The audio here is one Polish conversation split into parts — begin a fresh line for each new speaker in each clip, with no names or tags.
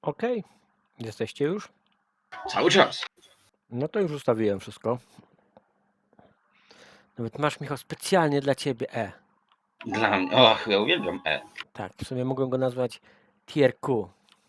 Okej. Jesteście już?
Cały czas.
No to już ustawiłem wszystko. Nawet masz, Michał, specjalnie dla ciebie E.
Dla mnie. Och, ja uwielbiam E.
Tak, w sumie mogłem go nazwać Tier Q.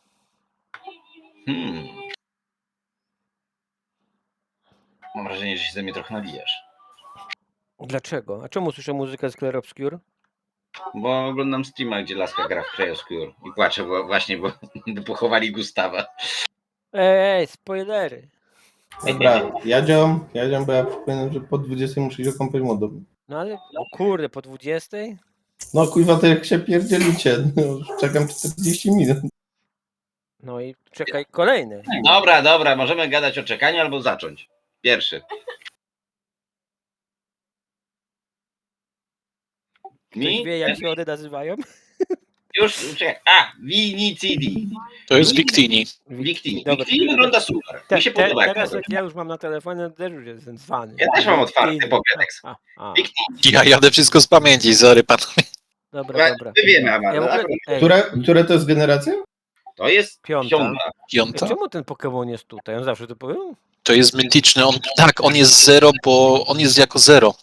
Mam wrażenie, że się ze mnie trochę nabijasz.
Dlaczego? A czemu słyszę muzykę z Clair Obscure?
Bo oglądam streama, gdzie laska gra w Cryoskure i płaczę bo pochowali Gustawa.
Ej, spoilery.
Dobra, jadziom, bo ja przypominam, że po 20 muszę iść do kąpać młodą.
No ale, o kurde, po 20?
No kuźwa, to jak się pierdzielicie, no, już czekam 40 minut.
No i czekaj, kolejny.
Dobra, możemy gadać o czekaniu albo zacząć. Pierwszy.
Ktoś wie, jak się one nazywają?
Już, czekaj. Vinicidi.
To jest Victini.
Victini.
Dobra.
Victini wygląda super. Mi się podoba.
Teraz jak ja już mam na telefonie, to też już jestem zwany.
Ja też mam otwarty Pokédex. Victini.
Ja jadę wszystko z pamięci, sorry panowie.
Dobra.
My wiemy, Amanda.
Ja w ogóle, ej,
Które to jest generacja?
To jest
Piąta.
piąta.
Piąta?
Czemu ten Pokémon jest tutaj? On zawsze tu był?
To jest mityczny. On jest 0, bo on jest jako 0.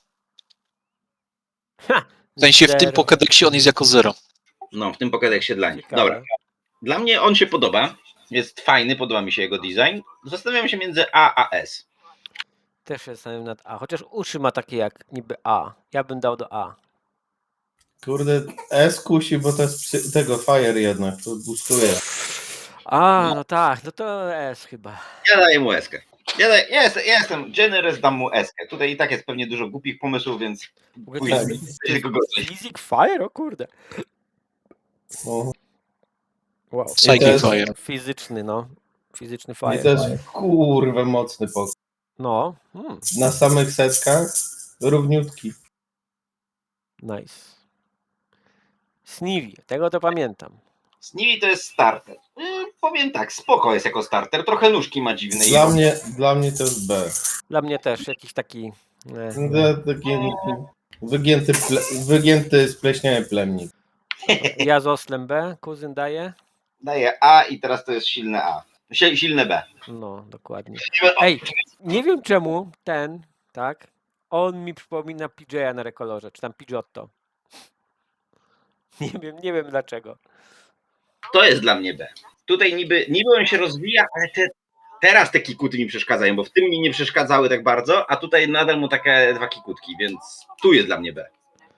Ha!
W sensie w tym
Zero.
Pokédexie on jest jako 0.
No, w tym Pokédexie dla nich.
Ciekawe.
Dobra. Dla mnie on się podoba. Jest fajny, podoba mi się jego design. Zastanawiam się między A a S.
Też jestem nad A. Chociaż uszy ma takie jak niby A. Ja bym dał do A.
Kurde, S kusi, bo to jest tego Fire jednak, to boostuje.
A, no tak, no to S chyba.
Ja daję mu eskę. Ja jestem generous, dam mu eskę. Tutaj i tak jest pewnie dużo głupich pomysłów, więc
W ogóle
pójdę
to jest
tylko gorzej.
Physic Fire? O kurde.
No.
Wow.
Psychic
jest-
Fire.
Fizyczny, no. Fizyczny
I
Fire.
to jest kurwa mocny pokój.
No.
Na samych setkach równiutki.
Nice. Sneevy, tego to pamiętam.
Snivy to jest starter. Powiem tak, spoko jest jako starter. Trochę nóżki ma dziwne.
Dla mnie to jest B.
Dla mnie też jakiś taki...
Taki wygięty spleśniały plemnik.
Ja z oslem B, kuzyn daje?
Daję A i teraz to jest silne A. Silne B.
No, dokładnie. Ej, nie wiem czemu ten, tak, on mi przypomina PJ'a na Rekolorze, czy tam Pidgeotto. Nie wiem dlaczego.
To jest dla mnie B. Tutaj niby on się rozwija, ale teraz te kikuty mi przeszkadzają, bo w tym mi nie przeszkadzały tak bardzo, a tutaj nadal mu takie dwa kikutki, więc tu jest dla mnie B.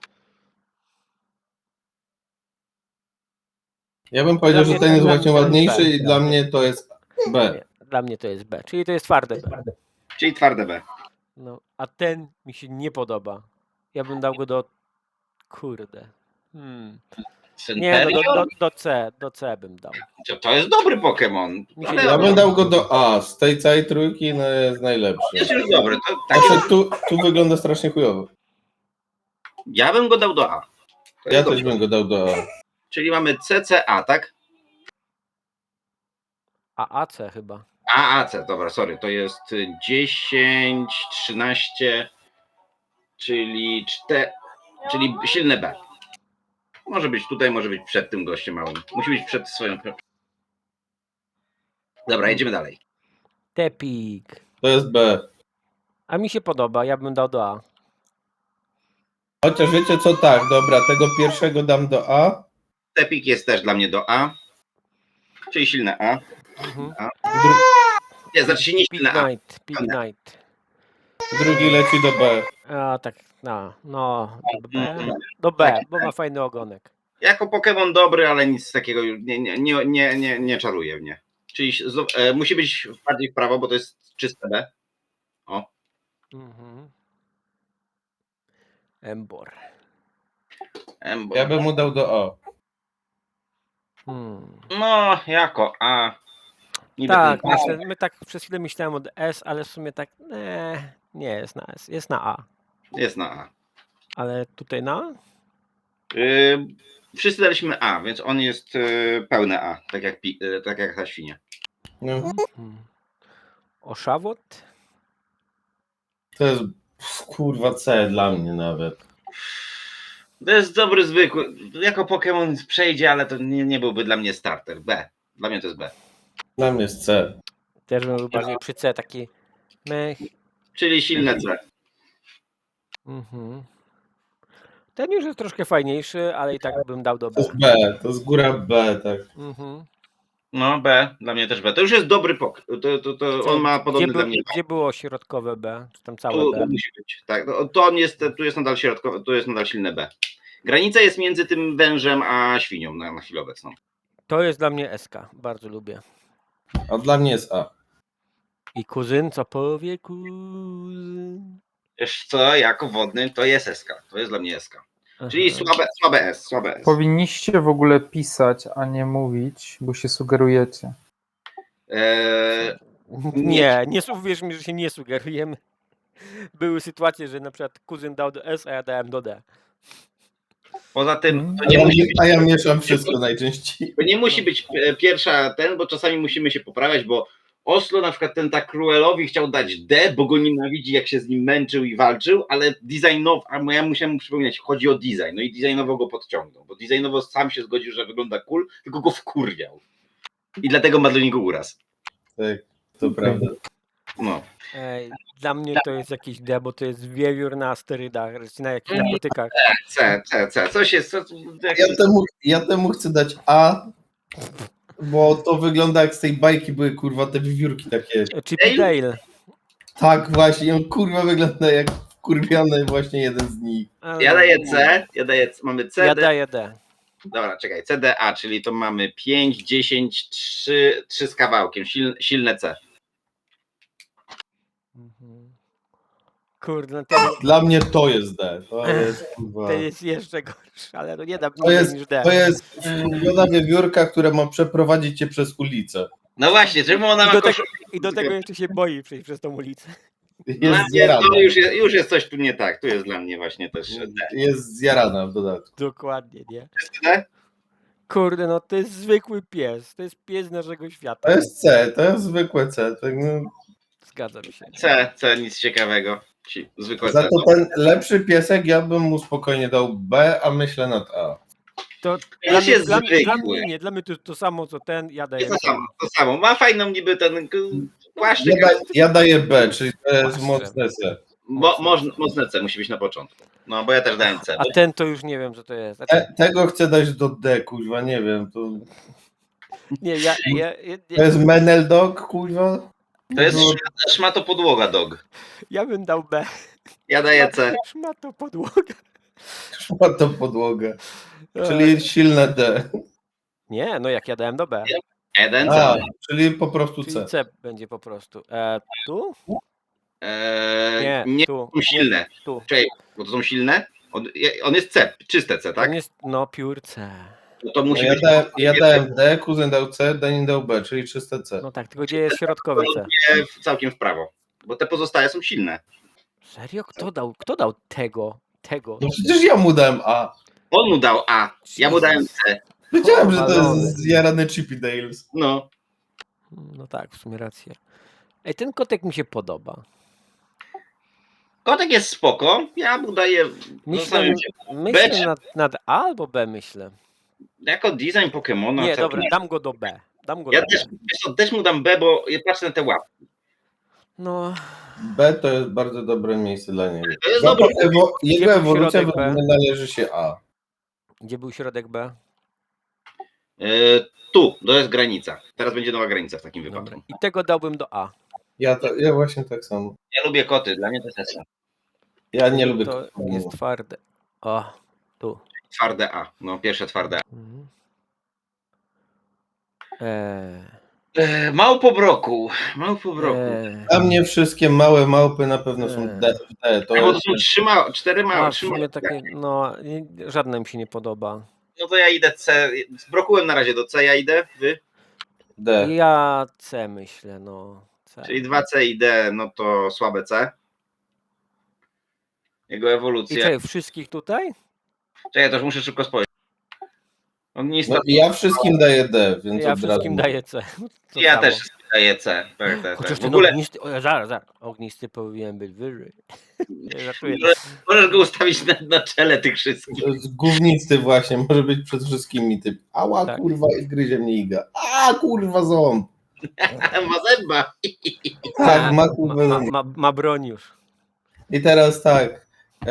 Ja bym powiedział,
Dla
że
mnie-
ten jest
dla-
właśnie
dla-
ładniejszy
dla-
i dla mnie to jest B.
Nie, dla mnie to jest B, czyli to jest twarde B.
Czyli twarde B.
No, a ten mi się nie podoba. Ja bym dał go do... Kurde. Nie, no, do C bym dał.
To jest dobry Pokémon.
Mi się
Ale
Ja bym dał go do A. Z tej całej trójki no, jest najlepszy.
jest już dobry. To takie,
Znaczy, tu wygląda strasznie chujowo.
ja bym go dał do A. To
Ja
jest
też
dobry.
bym go dał do A.
Czyli mamy CCA, tak?
A AC chyba.
AAC, dobra, sorry, to jest 10, 13, czyli silne B. Może być tutaj, może być przed tym gościem małym. Musi być przed swoją. Dobra, jedziemy dalej.
Tepik.
To jest B.
A mi się podoba, ja bym dał do A.
Chociaż wiecie co, tak, dobra, tego pierwszego dam do A.
Tepik jest też dla mnie do A, czyli silne A.
Mhm.
Nie, znaczy się nie silne A.
Pig Knight.
Drugi leci do B.
A tak, no, do B, bo ma fajny ogonek.
Jako Pokémon dobry, ale nic takiego już nie czaruje mnie. Czyli musi być bardziej w prawo, bo to jest czyste B. O.
Mhm. Embor.
Ja bym mu dał do A.
No, jako A. Niby
Tak,
ten-
my tak przez chwilę myślałem od S, ale w sumie tak, nie jest na S, jest na A.
Jest na A.
Ale tutaj na A?
Wszyscy daliśmy A, więc on jest pełne A, tak jak ta świnia.
No,
Oszawot?
to jest kurwa C dla mnie nawet.
To jest dobry, zwykły. Jako Pokémon przejdzie, ale to nie byłby dla mnie starter. B. Dla mnie to jest B.
Dla mnie jest C.
Też bym był bardziej przy C, taki mech.
Czyli silne C.
Mhm. Ten już jest troszkę fajniejszy, ale i tak bym dał do
To
B.
jest B, to jest góra B, tak.
Mhm.
No B, dla mnie też B. To już jest dobry pok. To on ma podobny dla mnie.
Gdzie było środkowe B? Czy tam całe
Tu
B?
musi być. Tak, to on jest, tu jest nadal środkowy, tu jest nadal silne B. Granica jest między tym wężem a świnią na chwilę obecną.
To jest dla mnie SK. Bardzo lubię.
A dla mnie jest A.
I kuzyn, co powie kuzyn?
Wiesz co, jako wodny to jest SK. To jest dla mnie SK. Czyli
Aha.
słabe S.
Powinniście w ogóle pisać, a nie mówić, bo się sugerujecie.
Nie uwierz mi, że się nie sugerujemy. Były sytuacje, że na przykład kuzyn dał do S, a ja dałem do D.
Poza tym to
A
nie
ja,
musi być,
a ja mieszam wszystko najczęściej.
to nie musi być pierwsza bo czasami musimy się poprawiać, bo Oslo na przykład ten tak Cruelowi chciał dać D, bo go nienawidzi, jak się z nim męczył i walczył, ale designowo, a ja musiałem mu przypominać, chodzi o design, no i designowo go podciągnął, bo designowo sam się zgodził, że wygląda cool, tylko go wkurwiał. I dlatego ma do niego uraz.
Tak, to prawda.
No.
Ej, dla mnie to jest jakiś D, bo to jest wiewiór na sterydach, na jakichś narkotykach.
C. Coś jest.
Ja temu chcę dać A, bo to wygląda jak z tej bajki były kurwa te wiewiórki takie.
Chippy Dale.
Tak właśnie, on kurwa wygląda jak kurwiony właśnie jeden z nich.
Ja daję C, mamy C.
Ja daję D.
Dobra, czekaj, CDA, czyli to mamy 5, 10, 3 z kawałkiem, silne C.
Mhm. Kurde, no
Dla mnie to jest D. To jest kurwa.
to jest jeszcze gorsze, ale no nie dam
To jest,
niż D.
to jest kurwiona wiewiórka, która ma przeprowadzić cię przez ulicę.
No właśnie, czemu ona
I
ma
do, tego,
koszulę?
I do tego jeszcze się boi przejść przez tą ulicę.
Jest
To
zjarana.
już jest coś tu nie tak, tu jest dla mnie właśnie też D.
Jest zjarana w dodatku.
Dokładnie, nie?
D?
Kurde, no to jest zwykły pies. To jest pies naszego świata.
To jest C, to jest zwykłe C. Tak, no.
Zgadzam się.
C, nic ciekawego. Zwykłe
Za
C.
to ten lepszy piesek ja bym mu spokojnie dał B, a myślę nad A.
To
Pies jest
dla
zwykły.
mnie nie, dla mnie to samo co ten, ja daję
Jest
B.
to samo. Ma fajną niby ten płaszczyk.
Ja daję B, czyli to jest
Patrzę.
mocne C.
Mocne C musi być na początku. No bo ja też dałem C.
A ten to już nie wiem, co to jest. Znaczy,
Tego chcę dać do D, kuźwa, nie wiem.
nie,
To jest Menel Dog, kuźwa?
To jest
No,
szmato podłoga dog.
ja bym dał B.
Ja daję C.
Szmato podłoga.
ma to podłogę. Czyli silne D.
Nie, no jak ja dałem do B.
Jeden
A,
C.
czyli po prostu
Czyli
C.
C będzie po prostu. Tu?
Nie,
Nie, tu.
są silne.
Nie, tu.
Czekaj, bo to są silne. On jest C, czyste C, tak?
On jest, no, pure C.
No to
No
musi być
ja dałem D, kuzyn dał C, Denin dał B, czyli czyste C.
No tak, tylko gdzie jest środkowe C?
całkiem w prawo. Bo te pozostałe są silne.
Serio? Kto dał tego?
No przecież ja mu dałem A.
On mu dał A, ja mu dałem C.
Wiedziałem, że to
Powalony.
jest zjarany Chippy Dales.
No.
No tak, w sumie rację. Ej, ten kotek mi się podoba.
Kotek jest spoko, ja mu daję
Myślę nad A albo B myślę.
jako design Pokemona.
Nie,
całkiem-
dobra, dam go do B. Dam go
Ja
do
też,
B.
wiesz co, też mu dam B, bo ja patrzę na te łapki.
No,
B to jest bardzo dobre miejsce dla niego.
To jest dobre.
Jego
Środek
ewolucja
B.
należy się A.
gdzie był środek B?
Tu, to jest granica. Teraz będzie nowa granica w takim
Dobra.
wypadku.
I tego dałbym do A.
Ja właśnie tak samo.
Ja lubię koty, dla mnie to jest S.
Ja nie lubię
To jest twarde. O, tu.
Twarde A, no pierwsze twarde A.
Mhm.
Małpobroku.
Dla mnie wszystkie małe małpy na pewno są D. To
Bo to
jest,
są cztery małe.
A, w
Trzy małe.
sumie takie, no, żadne mi się nie podoba.
No to ja idę C. Zbrokułem na razie do C, ja idę. Wy?
D.
Ja C myślę, no. C.
Czyli 2C i D, no to słabe C. Jego
I
ewolucja.
czekaj, wszystkich tutaj?
Czekaj, to już muszę szybko spojrzeć. On nie
No, ja wszystkim daję D, więc
Ja
od
wszystkim
razu.
daję C. To
Ja
samo.
też daję C. Tak.
Chociaż
W
ten
ogóle
ognisty, zaraz, ognisty powinien być wyżej. Nie, żartuję.
możesz go ustawić na czele tych wszystkich.
To jest gównisty właśnie, może być przed wszystkimi typ. Ała
Tak.
kurwa i gryzie mnie iga. A kurwa ząb.
Ma zęba.
Tak, ma
ma,
kurwa.
ma broń już.
I teraz tak.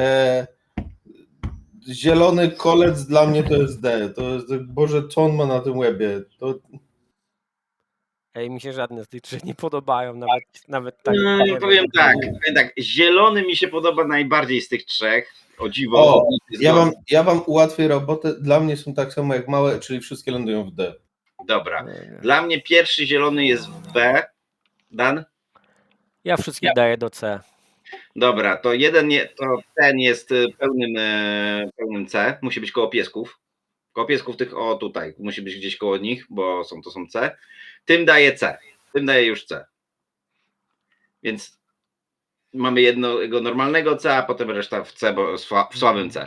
Zielony kolec dla mnie to jest D. To jest, Boże, co on ma na tym łebie? To,
Ej, mi się żadne z tych trzech nie podobają, nawet tak, nie
Powiem
wiem.
tak, zielony mi się podoba najbardziej z tych trzech. O dziwo.
o, ja wam ułatwię robotę. Dla mnie są tak samo jak małe, czyli wszystkie lądują w D.
Dobra. Dla mnie pierwszy zielony jest w B. Dan?
Ja wszystkich daję do C.
Dobra, to ten jest pełnym C. Musi być koło piesków. Koło piesków tych, o tutaj. Musi być gdzieś koło nich, bo to są C. Tym daje C. Tym daje już C. Więc mamy jednego normalnego C, a potem reszta w C, bo w słabym C.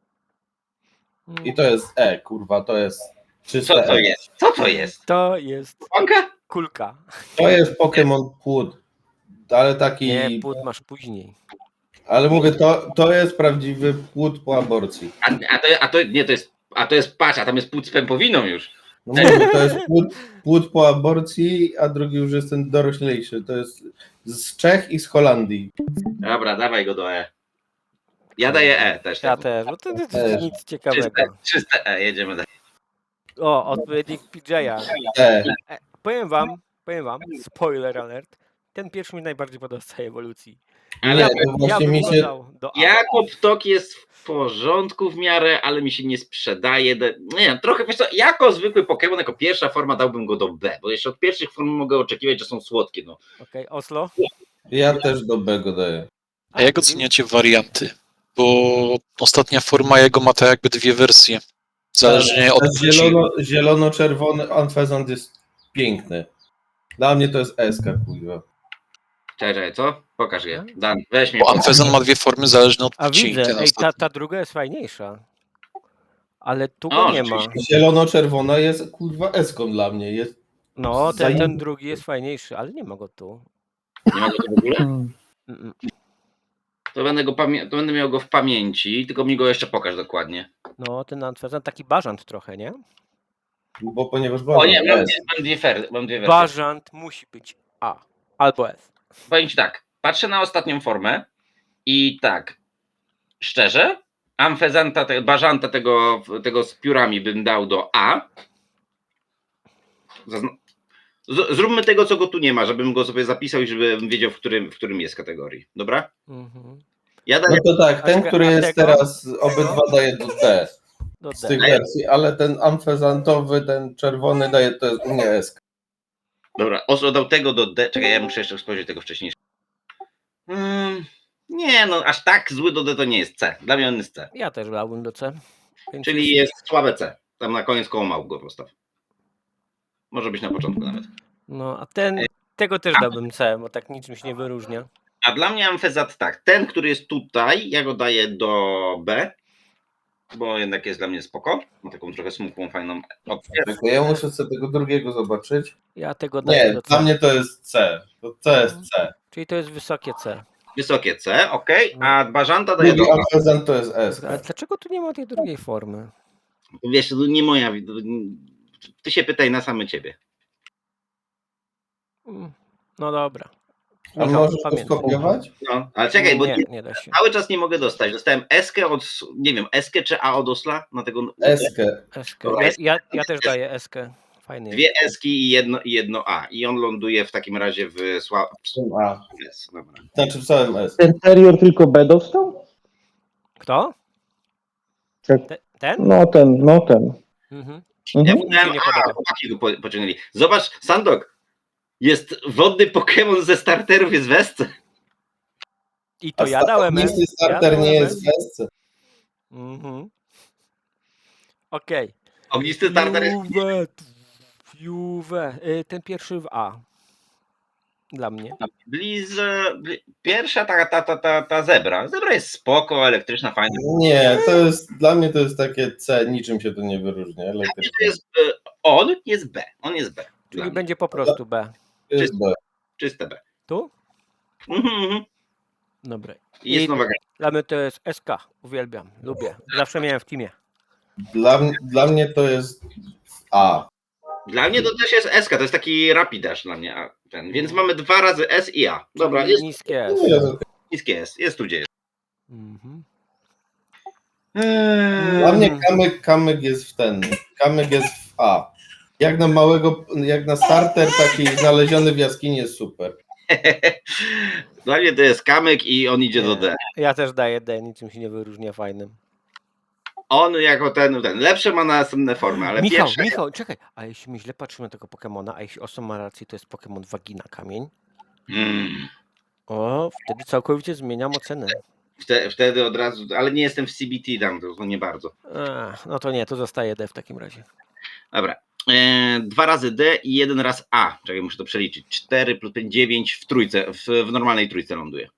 I to jest E, kurwa, to jest czyste
Co to
E.
jest? Co to jest?
To jest
Łąka?
kulka.
To jest Pokémon płód. Ale taki.
Nie, płód masz później.
Ale mówię, to jest prawdziwy płód po aborcji.
To jest patrz, a tam jest płód z pępowiną już.
No mówię, to jest płód po aborcji, a drugi już jest ten doroślejszy. To jest z Czech i z Holandii.
Dobra, dawaj go do E. Ja daję E też.
Ja też, bo to nic ciekawego.
Czyste E, jedziemy dalej.
O, odpowiednik PJ'a.
E.
Powiem wam, spoiler alert, ten pierwszy mi najbardziej podoba z całej ewolucji.
Ale
to właśnie
bym
mi
go
się.
dał do A.
jako ptok jest w porządku w miarę, ale mi się nie sprzedaje. Nie, trochę wiesz co, jako zwykły Pokémon, jako pierwsza forma dałbym go do B, bo jeszcze od pierwszych form mogę oczekiwać, że są słodkie. No.
Okej, Oslo?
Ja też do B go daję.
A jak oceniacie warianty? Bo ostatnia forma jego ma tak jakby dwie wersje. Zależnie od płci.
Zielono-czerwony Anfezant jest piękny. Dla mnie to jest SK, kurwa.
Czekaj, co? Pokaż je. Dan, weź mnie.
Bo Amfezon ma dwie formy zależne od
A
płci.
widzę,
Ten
ej,
ostatni.
ta druga jest fajniejsza. Ale tu
O,
go nie ma.
rzeczywiście.
Zielono-czerwona jest kurwa eską dla mnie. Jest
No, ten
zajebisty.
drugi jest fajniejszy, ale nie ma go tu.
Nie ma go tu w ogóle?
Hmm.
Mm-mm.
To będę miał go w pamięci, tylko mi go jeszcze pokaż dokładnie.
No, ten Antwerpen taki bażant trochę, nie?
Bo ponieważ
O nie, mam
S.
mam dwie wersje.
Bażant musi być A albo S.
Powiem ci tak, patrzę na ostatnią formę i tak, szczerze, Amfezanta, bażanta tego z piórami bym dał do A. Zróbmy tego, co go tu nie ma, żebym go sobie zapisał i żebym wiedział, w którym jest kategorii. Dobra?
Mhm.
Ja
No
daję
to tak, ten, który
A
jest
tego?
teraz, obydwa daje do D
Do
z
D.
tych wersji, ale ten amfezantowy, ten czerwony daje, to jest u mnie SK.
Dobra, Oslo dał tego do D. Czekaj, ja muszę jeszcze spojrzeć tego wcześniejszego. Nie, no aż tak zły do D to nie jest C. Dla mnie on jest C.
Ja też dałbym do C. Więc
Czyli jest słabe C. Tam na koniec koło małp go postaw. Może być na początku nawet.
No, a tego też dałbym C, bo tak niczym się nie wyróżnia.
A dla mnie Amfezat tak. Ten, który jest tutaj, ja go daję do B, bo jednak jest dla mnie spoko. Ma taką trochę smukłą, fajną opcję.
Tylko ja muszę sobie tego drugiego zobaczyć.
Ja tego daję
Nie,
do
dla
C.
mnie to jest C. To C jest C.
Czyli to jest wysokie C.
Wysokie C, ok. A Bażanta daję
Drugi
do A.
amfezant to jest SK.
Ale dlaczego tu nie ma tej drugiej formy?
Wiesz, to nie moja. Ty się pytaj na same ciebie.
No dobra.
A
Michał,
możesz to
pamiętaj.
skopiować?
No, ale czekaj, bo
Nie da się.
cały czas nie mogę dostać. Dostałem Eskę od, nie wiem, Eskę czy A od Osla? Na tego,
Eskę.
Eskę. Ja też daję Eskę. Fajny jest.
dwie Eski i jedno A. I on ląduje w takim razie w
A.
S. Dobra.
Znaczy w całym S.
Ten Terrier tylko B dostał?
Kto?
Tak.
Ten?
No ten.
Mhm.
Ja
Mhm.
mówiłem,
nie
a,
podoba.
chłopaki go pociągnęli. Zobacz, Sandok, jest wodny Pokémon ze starterów, jest w Esce.
I to ja dałem S.
Ognisty starter nie jest w Esce.
Mhm. Okej.
Ognisty starter jest...
Juve. Ten pierwszy w A. Dla mnie.
Pierwsza ta zebra. Zebra jest spoko, elektryczna, fajna.
Nie, to jest, dla mnie to jest takie C, niczym się to nie wyróżnia.
To
Elektrycznie.
jest, on jest B. On jest B. Dla
Czyli
mnie.
będzie po prostu B.
To jest B.
Czyste B.
Tu?
Mhm.
Dobra.
Jest
I
nowa gra.
dla mnie to jest SK. Uwielbiam. Lubię. Zawsze miałem w teamie.
Dla mnie to jest A.
Dla mnie to też jest S, to jest taki rapidash dla mnie. Więc mamy 2 razy S i A. Dobra, jest
Niskie S.
niskie S, jest tu gdzie jest.
Mhm.
Dla mnie kamyk jest w ten. Kamyk jest w A. Jak na starter taki znaleziony w jaskini jest super.
Dla mnie to jest kamyk i on idzie do D.
Ja też daję D, niczym się nie wyróżnia fajnym.
On jako ten lepsze ma następne formy, ale pierwsze...
Michał, czekaj, a jeśli my źle patrzymy na tego Pokemona, a jeśli Oso ma rację, to jest Pokemon Wagina Kamień. O, wtedy całkowicie zmieniam ocenę.
Wtedy od razu, ale nie jestem w CBT tam, to nie bardzo.
No to nie, to zostaje D w takim razie.
Dobra. 2 razy D i 1 raz A. Czekaj, muszę to przeliczyć. 4 plus 5, 9 w trójce, w normalnej trójce ląduje.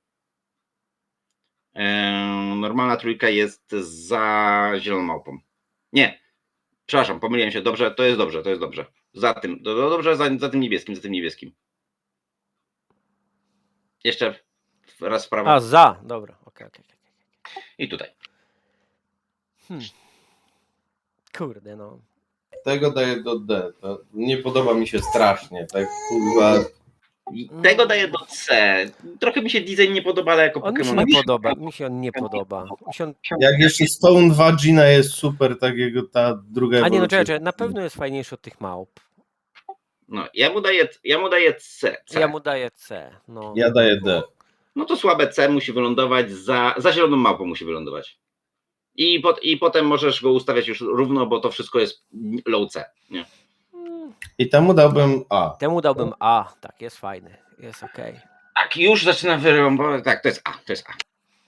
Normalna trójka jest za zieloną małpą. Nie, przepraszam, pomyliłem się. Dobrze, to jest dobrze, to jest dobrze. Za tym, dobrze, za tym niebieskim, Jeszcze raz w prawo.
A, za, dobra, okej.
I tutaj.
Kurde, no.
Tego daję do D. To nie podoba mi się strasznie. Tak kurwa.
Tego daję do C. Trochę mi się design nie podoba, ale jako
On mi się
Pokémon.
nie podoba, mi się on nie podoba.
Jak jeszcze Stone Vagina jest super, tak jego ta druga
A nie, no
ewolucja.
czekaj, na pewno jest fajniejszy od tych małp.
No, ja mu daję C.
Ja mu daję C, no.
Ja daję D.
No to słabe C musi wylądować za zieloną małpą musi wylądować. I potem możesz go ustawiać już równo, bo to wszystko jest low C. Nie?
I temu dałbym A.
Temu dałbym A, tak, jest fajny, jest okej.
Tak, już zaczynam wyrąbować. Tak, to jest A, to jest A.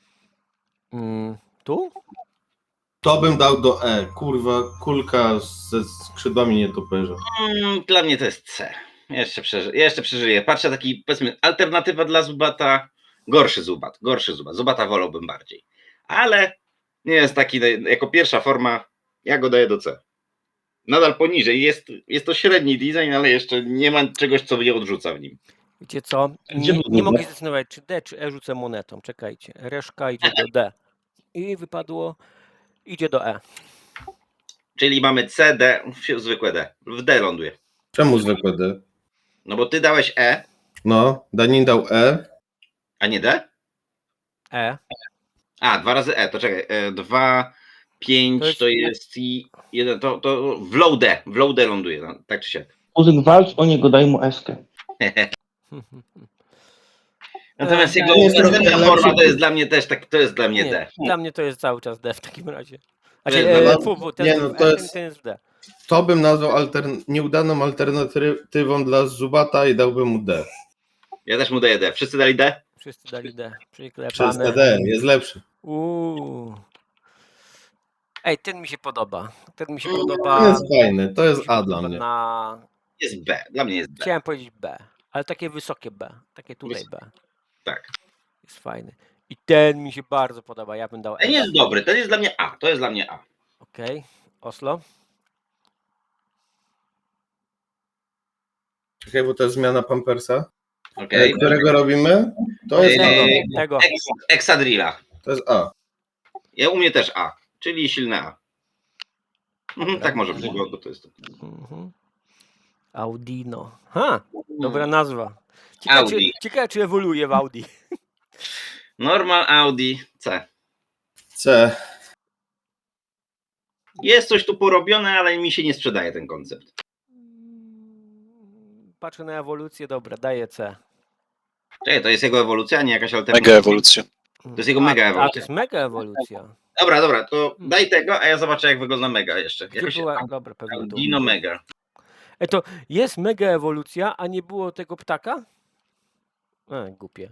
Tu?
To bym dał do E. Kurwa, kulka ze skrzydłami nietoperza.
Dla mnie to jest C. Jeszcze przeżyję. Patrzę taki, powiedzmy, alternatywa dla Zubata. Gorszy Zubat. Zubata wolałbym bardziej. Ale nie jest taki, jako pierwsza forma, ja go daję do C. Nadal poniżej. Jest to średni design, ale jeszcze nie ma czegoś, co mnie odrzuca w nim.
Wiecie co?
Gdzie
Nie
był
mogę
D?
się zdecydować, czy D, czy E rzucę monetą. Czekajcie. Reszka idzie do D. I wypadło, idzie do E.
Czyli mamy C, D, zwykłe D. W D ląduje.
Czemu zwykłe D?
No bo ty dałeś E,
No, Danin dał E.
a nie D?
E.
A, 2 razy E, to czekaj. 2, 5 to jest i 1, to w low D ląduje, no, tak czy siak.
Muzyk walcz o niego, daj mu eskę.
Natomiast jego
jest trochę
następna
lepszy.
forma to jest dla mnie też tak, to jest dla mnie
Nie,
D.
dla mnie to jest cały czas D w takim razie. A
To
się,
jest
ten,
nie, no
w
to
E,
jest-
ten jest w D.
To bym nazwał nieudaną alternatywą dla Zubata i dałbym mu D.
Ja też mu daję D. Wszyscy dali D?
Wszyscy dali D.
Przez
Przyklepane.
D, jest lepszy.
Ej, ten mi się podoba. Ten mi się
To
podoba.
jest fajny, to jest A dla mnie.
Na...
Jest B. Dla mnie jest B.
Chciałem powiedzieć B, ale takie wysokie B. Takie tutaj B.
Tak.
Jest fajny. I ten mi się bardzo podoba. Ja bym dał
Ten
S.
jest dobry, ten jest dla mnie A. To jest dla mnie A.
Okej. Oslo?
Czekaj, bo to jest zmiana Pampersa.
Okej.
Którego robimy? To jest A.
Tego.
Exadrilla.
To jest A.
U mnie też A. Czyli silne A. Tak może być, bo to jest.
Mhm. Audino. Dobra nazwa. Ciekawe
Audi.
czy ewoluuje w Audi.
Normal Audi C.
C.
Jest coś tu porobione, ale mi się nie sprzedaje ten koncept.
Patrzę na ewolucję, dobra, daję C.
Czekaj, to jest jego ewolucja, a nie jakaś alternatywa.
Mega ewolucja.
To jest jego mega
A
ewolucja.
to jest mega ewolucja.
Dobra, to daj tego, a ja zobaczę, jak wygląda mega jeszcze.
Gdzie
Jakoś
była? Dobra, pewnie tu.
Audino Mega.
To jest mega ewolucja, a nie było tego ptaka? Głupie.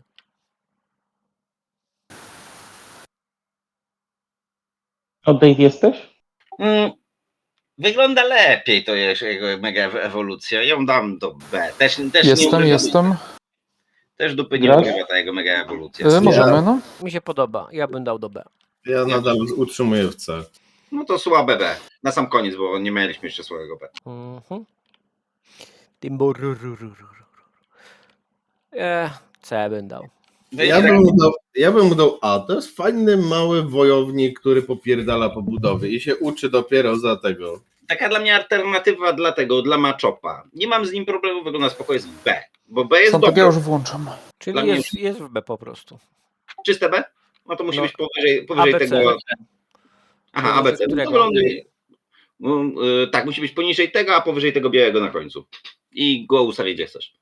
O, Dave jesteś?
Wygląda lepiej to jest jego mega ewolucja. Ją dam do B. Też
Jestem.
Też dupy nie
Grasz?
urywa ta jego mega ewolucja.
Możemy, no.
Mi się podoba, ja bym dał do B.
Ja nadal utrzymuję w C.
No to słabe B. Na sam koniec, bo nie mieliśmy jeszcze słabego B.
C bym dał.
Ja bym mu dał A. To jest fajny, mały wojownik, który popierdala po budowie i się uczy dopiero za tego.
Taka dla mnie alternatywa dla Machopa. Nie mam z nim problemu, wygląda spoko, jest B. Bo B jest
Są, to ja
dobre.
już włączam.
Dla
Czyli
mnie
jest w B po prostu.
Czyste B? No to musi
No,
być powyżej
ABC.
tego. Aha,
Powyżej
ABC. No to
którego?
wyląduje. Tak, musi być poniżej tego, a powyżej tego białego na końcu. I go ustawię gdzie chcesz.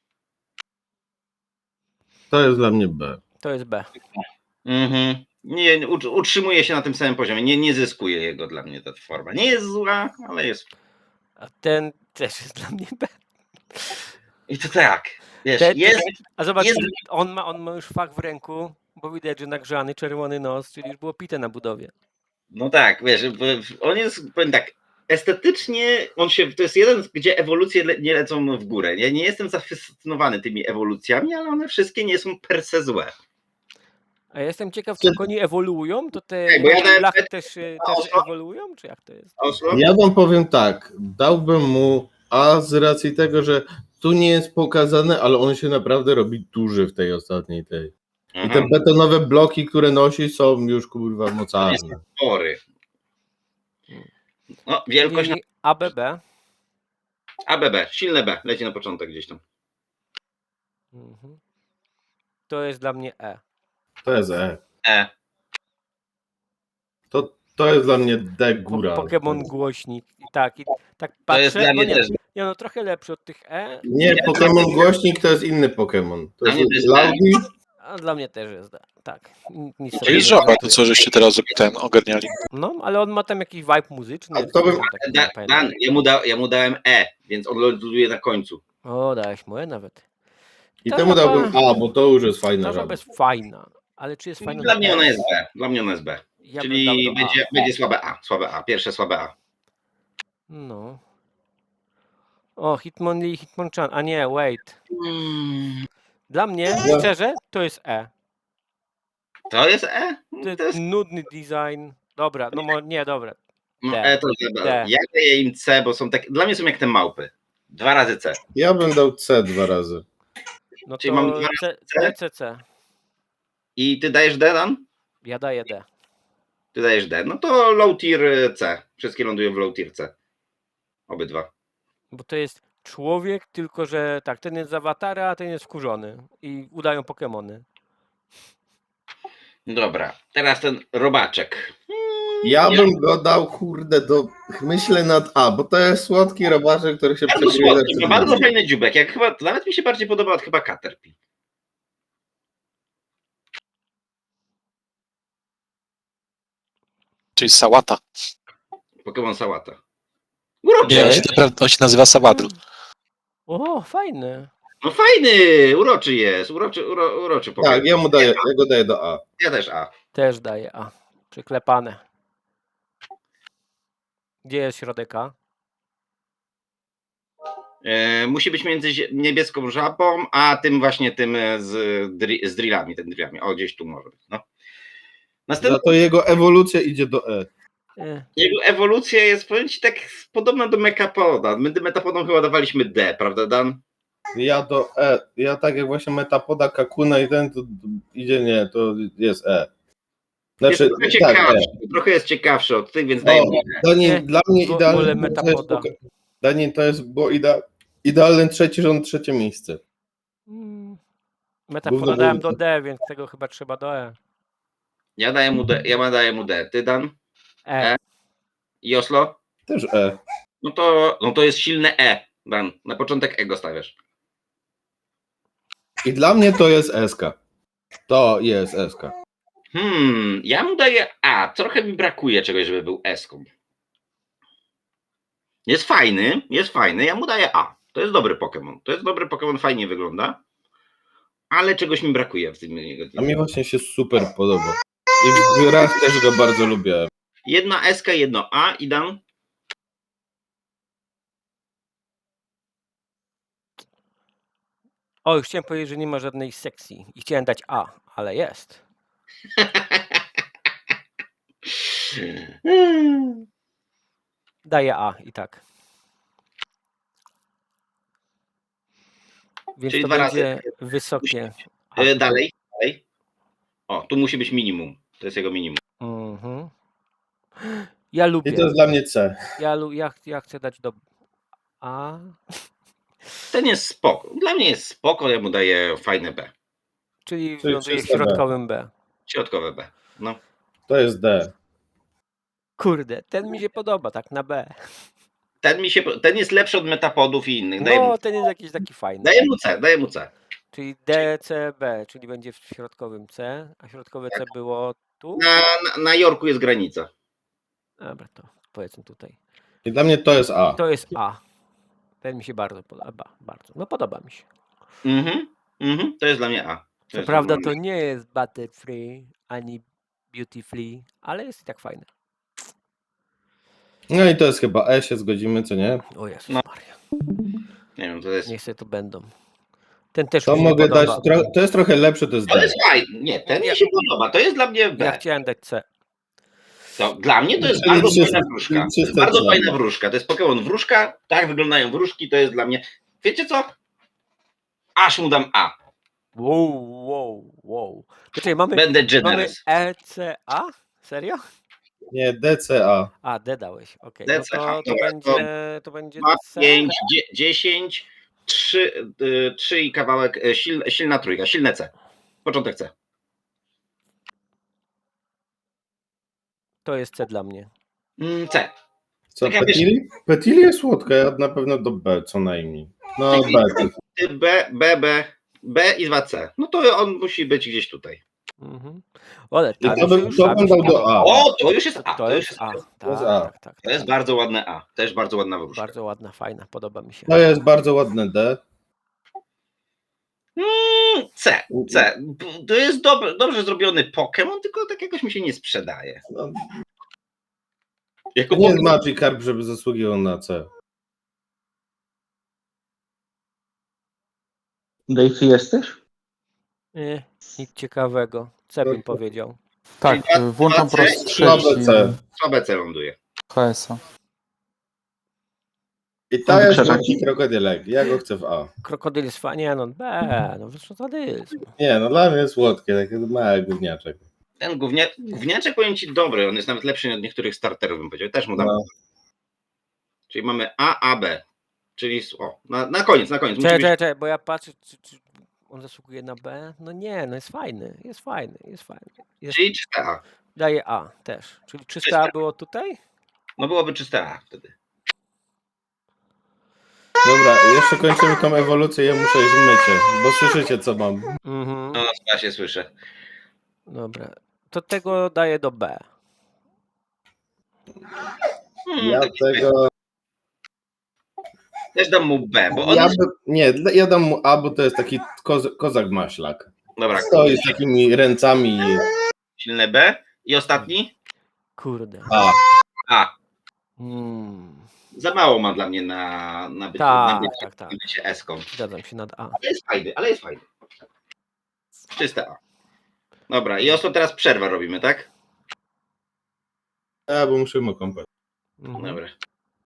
To jest dla mnie B.
To jest B.
Mhm. Nie, utrzymuje się na tym samym poziomie. Nie zyskuje jego dla mnie ta forma. Nie jest zła, ale jest.
A ten też jest dla mnie B.
I to tak. Wiesz,
Ten-
jest.
A zobacz,
Jest-
on ma już fach w ręku, bo widać, że nagrzany, czerwony nos, czyli już było pite na budowie.
No tak, wiesz, on jest, powiem tak, estetycznie to jest jeden, gdzie ewolucje nie lecą w górę. Ja nie jestem zafascynowany tymi ewolucjami, ale one wszystkie nie są per se złe.
A ja jestem ciekaw, co oni ewoluują, to te
Tak, bo ja dałem
blachy
B-
też
Oslo.
ewoluują, czy jak to jest?
Oslo?
Ja wam powiem tak, dałbym mu A z racji tego, że tu nie jest pokazane, ale on się naprawdę robi duży w tej ostatniej tej. I te betonowe bloki, które nosi, są już kurwa mocarne.
Spory. No, wielkość
Czyli ABB.
ABB, silne B, leci na początek gdzieś tam.
Mhm. To jest dla mnie E.
To jest E.
E.
To jest dla mnie D góra.
Pokémon głośnik. I tak
To
patrzę.
jest dla mnie
nie,
też.
nie, no trochę lepszy od tych E,
Nie, Pokémon głośnik to jest inny Pokémon. To
Dla mnie
jest
to jest
Laudi.
a dla mnie też jest D. Tak. Nic
To
sobie
jest
nie
żaba, to
komentuję.
co żeście teraz ogarniali.
No, ale on ma tam jakiś vibe muzyczny.
A to bym-
taki, nie pamiętam.
Dan, ja mu dałem E, więc on ląduje na końcu.
O, dałeś mu E nawet.
I
Ta
temu
żaba-
dałbym A, bo to już jest fajna
Ta żaba
żaba.
jest fajna, ale czy jest fajna?
Dla
na
mnie
E?
ona jest B. Dla mnie ona jest B.
Ja bym
Czyli
dał do A.
będzie słabe A. Słabe A. Pierwsze słabe A.
No. O, Hitmonlee, Hitmonchan. A nie, wait. Dla mnie,
Ja-
szczerze, to jest E.
To jest E?
To jest nudny design. Dobra, no nie, dobra.
No,
D.
E to jest
D.
B. Ja daję im C, bo są tak. Dla mnie są jak te małpy. 2 razy C.
Ja bym dał C 2 razy.
No
Czyli
to
mam dwa C?
C.
I ty dajesz D, Dan?
Ja daję D.
Ty dajesz D. No to low tier C. Wszystkie lądują w low tier C. Obydwa.
Bo to jest człowiek, tylko że tak, ten jest z awatara, a ten jest wkurzony. I udają Pokemony.
Dobra. Teraz ten robaczek.
Ja bym go dał, kurde, myślę nad A, bo to jest słodki robaczek, który się
Bardzo
przebije
słodki,
lepszy
bardzo
niż-
fajny dziubek. Jak chyba, nawet mi się bardziej podoba od chyba Caterpie.
Czyli sałata.
Pokémon Sałata. Uroczy.
Nie, on się nazywa Sawadl.
O, fajny.
No fajny, uroczy jest. Uroczy Pokémon.
Tak, ja go daję do A.
Ja też A.
Też daję A. Przyklepane. Gdzie jest środek A?
Musi być między niebieską żabą, a tym właśnie tym z drillami, ten drillami. O, gdzieś tu może być. No.
Za
Następna
to jego ewolucja idzie do E.
jego ewolucja jest, powiem ci, tak podobna do Metapoda. My Metapodom chyba dawaliśmy D, prawda, Dan?
Ja do E. Ja tak jak właśnie Metapoda, Kakuna i ten, to idzie nie, to jest E. Znaczy,
Jest trochę
tak,
ciekawszy,
E.
trochę jest ciekawszy od tych, więc
O,
dajemy D.
Daniel, dla mnie
wolę
idealny. to jest
Metapoda.
Daniel, to jest było idealny trzeci rząd, trzecie miejsce.
Metafoda dałem do D, więc tego chyba trzeba do E.
Ja daję mu D. Ty, Dan?
E.
I Oslo?
Też E.
No to jest silne E, Dan. Na początek E go stawiasz.
I dla mnie to jest SK. To jest SK.
Ja mu daję A. Trochę mi brakuje czegoś, żeby był S-ką. Jest fajny. Ja mu daję A. To jest dobry Pokémon. Fajnie wygląda. Ale czegoś mi brakuje w tym jego.
A mi właśnie się super podoba. I w grach też go bardzo lubię.
Jedna S, jedno A i Dan.
O, już chciałem powiedzieć, że nie ma żadnej sekcji. I chciałem dać A, ale jest. Daję A i tak. Więc
Czyli
to
2
będzie
razy.
wysokie. A.
Dalej. O, tu musi być minimum. To jest jego minimum.
Mhm. Ja
I
lubię.
to jest dla mnie C.
Ja chcę dać do A.
Ten jest spoko. Dla mnie jest spoko, ja mu daję fajne B.
Czyli
Czyli
ląduje w
czyste B.
środkowym B.
Środkowe B. No.
To jest D.
Kurde, ten mi się podoba, tak na B.
Ten jest lepszy od metapodów i innych. Daję mu,
No, ten jest jakiś taki fajny.
daję mu C.
Czyli D, C, B, czyli będzie w środkowym C, a środkowe C było tu?
Na Jorku jest granica.
Dobra, to powiedzmy tutaj.
I dla mnie to jest A.
To jest A. Ten mi się bardzo podoba. Bardzo. No podoba mi się.
To jest dla mnie A.
Co prawda to nie jest Butterfree ani Beautifully, ale jest i tak fajne.
No i to jest chyba E, się zgodzimy, co nie?
O Jezus
No.
Maria.
Nie wiem, to jest.
Niech sobie to będą. Ten też
To
mi się
mogę dać,
podoba.
to jest trochę lepsze, to jest
To
D.
jest fajne. Nie, ten mi się podoba. To jest dla mnie B.
Ja chciałem dać C.
To dla mnie to jest
Czyli
bardzo
czyste-
fajna wróżka. To jest
czyste
bardzo
C.
fajna wróżka. To jest Pokémon wróżka. Tak wyglądają wróżki. To jest dla mnie. Wiecie co? Aż mu dam A.
Wow. Poczekaj, mamy
Będę generous.
E, C, A? Serio?
Nie, DCA.
A, D dałeś. Okej.
D,
No
C, A.
to
Dobra,
będzie
2,
C.
5, 10, 3 i kawałek. Silna trójka. Silne C. Początek C.
To jest C dla mnie.
C.
Co,
Tak jak wiesz-
Petili? Petili jest słodka, ja na pewno do B co najmniej. No B.
B i 2C. No to on musi być gdzieś tutaj.
Mhm. Ale
I
tam
to bym,
już
to bym dał do A.
O, to już jest A.
To jest A.
To jest A.
Tak.
To jest bardzo ładne A. Też bardzo ładna wróżka.
Bardzo ładna, fajna, podoba mi się.
To jest bardzo ładne D.
C. To jest dobrze zrobiony Pokémon, tylko tak jakoś mi się nie sprzedaje.
No,
Jako
to nie jest
Pokémon-
Magikarp, żeby zasługiwał na C.
Dave, jesteś?
Nie, nic ciekawego. C bym powiedział.
Tak, włączam po raz
Słabe
trzeci
C.
Słabe C ląduje.
HS-a.
I ta jest
Krzesaki.
taki krokodylek. Ja go chcę w A.
Krokodyl jest fajny, nie no B, no co to jest?
Nie, no dla mnie jest słodkie, taki mały gówniaczek.
Ten gówniaczek, powiem ci, dobry. On jest nawet lepszy od niektórych starterów, bym powiedział. Też mu dam.
No.
Czyli mamy A, B. Czyli na koniec. Musi być-
Czekaj, bo ja patrzę, czy on zasługuje na B? No nie, no jest fajny. Jest,
Czyli czyste A.
daje A też. Czyli 300
Czyste.
A było tutaj?
No byłoby czyste A wtedy.
Dobra, jeszcze kończymy tą ewolucję, ja muszę iść w mycie, bo słyszycie co mam.
Mhm.
No, ja się słyszę.
Dobra. To tego daję do B.
Ja tego...
Też dam mu B, bo on
Ja,
jest...
ja dam mu A, bo to jest taki kozak maślak.
Dobra,
Stoi z takimi ręcami.
silne B. I ostatni?
Kurde.
A.
A. Za mało ma dla mnie na bycie,
Tak,
na bycie,
tak.
na bycie S-ką.
Zgadzam się nad A.
Ale jest fajny. Czyste A. Dobra, i teraz przerwę robimy, tak?
A, bo muszę mu kąpać.
Mhm.
Dobra.